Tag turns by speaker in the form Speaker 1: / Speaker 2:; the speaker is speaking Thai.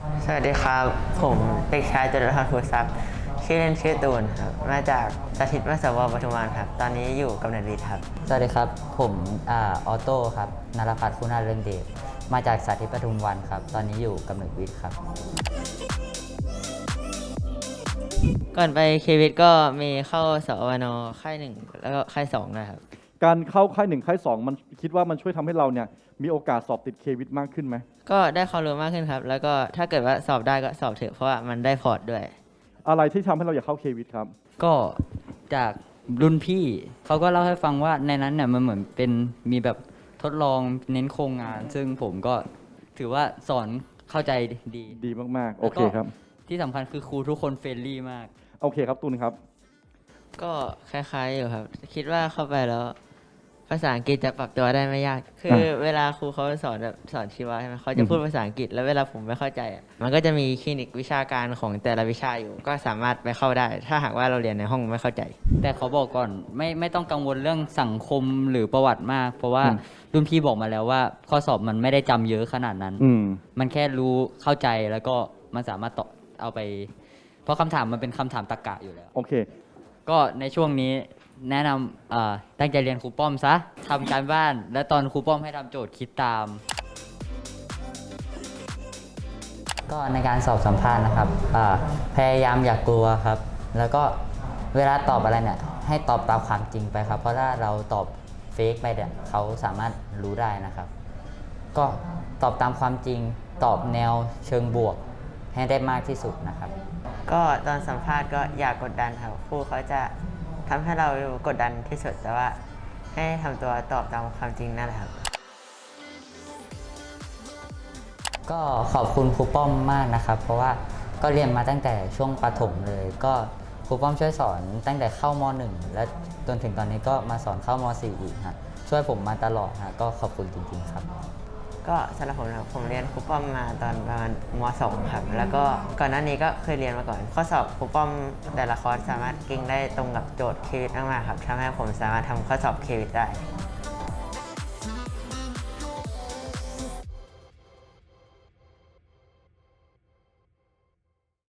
Speaker 1: สวัสดีครับผมเด็กชายจตุรพัฒน์ภูทรัพย์ชื่อเล่นชื่อตูนครับมาจากสถิตมศวปทุมวันครับตอนนี้อยู่กำเนิดวิทย์ครับ
Speaker 2: สวัสดีครับผมออโต้ครับนรพัฒน์คุณาเรืองเดชมาจากสาธิตปทุมวันครับตอนนี้อยู่กำเนิดวิทย์ครับ
Speaker 1: ก่อนไปเควิทก็มีเข้าสอวนค่ายหนึ่งแล้วก็ค่ายสองนะครับ
Speaker 3: การเข้าค่ายหนึ่งค่ายสองมันคิดว่ามันช่วยทำให้เราเนี่ยมีโอกาสสอบติดเควิทมากขึ้นไหม
Speaker 1: ก็ได้ความรู้มากขึ้นครับแล้วก็ถ้าเกิดว่าสอบได้ก็สอบเถอะเพราะว่ามันได้พอร์ตด้วย
Speaker 3: อะไรที่ทำให้เราอยากเข้าเควิทครับ
Speaker 2: ก็จากรุ่นพี่เขาก็เล่าให้ฟังว่าในนั้นเนี่ยมันเหมือนเป็นมีแบบทดลองเน้นโครงงาน ซึ่งผมก็ถือว่าสอนเข้าใจดี
Speaker 3: ดีมากๆโอเคครับ
Speaker 2: ที่สำคัญคือครูทุกคนเฟรนลี่มาก
Speaker 3: โอเคครับตูนครับ
Speaker 1: ก็คล้ายๆอยู่ครับคิดว่าเข้าไปแล้วภาษาอังกฤษจะปรับตัวได้ไม่ยากคือเวลาครูเขาสอนแบบสอนชีวะใช่ไหมเขาจะพูดภาษาอังกฤษแล้วเวลาผมไม่เข้าใจมันก็จะมีคลินิกวิชาการของแต่ละวิชาอยู่ก็สามารถไปเข้าได้ ถ้าหากว่าเราเรียนในห้องไม่เข้าใจ
Speaker 2: แต่เขาบอกก่อนไม่ต้องกังวลเรื่องสังคมหรือประวัติมาก เพราะว่ารุ่นพี่บอกมาแล้วว่าข้อสอบมันไม่ได้จำเยอะขนาดนั้นมันแค่รู้เข้าใจแล้วก็มันสามารถต่อเอาไปเพราะคำถามมันเป็นคำถามตรรกะอยู่แล้ว
Speaker 3: โอเค
Speaker 2: ก็ในช่วงนี้แนะนำตั้งใจเรียนครูป้อมซะทำการบ้านและตอนครูป้อมให้ทำโจทย์คิดตามก็ในการสอบสัมภาษณ์นะครับพยายามอย่ากกลัวครับแล้วก็เวลาตอบอะไรเนี่ยให้ตอบตามความจริงไปครับเพราะถ้าเราตอบเฟกไปเนี่ยเขาสามารถรู้ได้นะครับก็ตอบตามความจริงตอบแนวเชิงบวกให้ได้มากที่สุดนะครับ
Speaker 1: ก็ตอนสัมภาษณ์ก็อย่ากดดันครับครูเขาจะทำให้เรากดดันที่สุดแต่ว่าให้ทำตัวตอบตามความจริงนั่นแหละครับ
Speaker 2: ก็ขอบคุณครูป้อมมากนะครับเพราะว่าก็เรียนมาตั้งแต่ช่วงประถมเลยก็ครูป้อมช่วยสอนตั้งแต่เข้าม.1 และจนถึงตอนนี้ก็มาสอนเข้าม.4 อีกฮะช่วยผมมาตลอดฮะก็ขอบคุณจริงๆครับ
Speaker 1: ก็สำหรับผมนะครับผมเรียนครูป้อมมาตอนประมาณม.2 ครับแล้วก็ก่อนหน้านี้ก็เคยเรียนมาก่อนข้อสอบครูป้อมแต่ละคอร์สสามารถกิ้งได้ตรงกับโจทย์เควิทมากๆครับทำให้ผมสามารถทำข้อสอบเควิทได้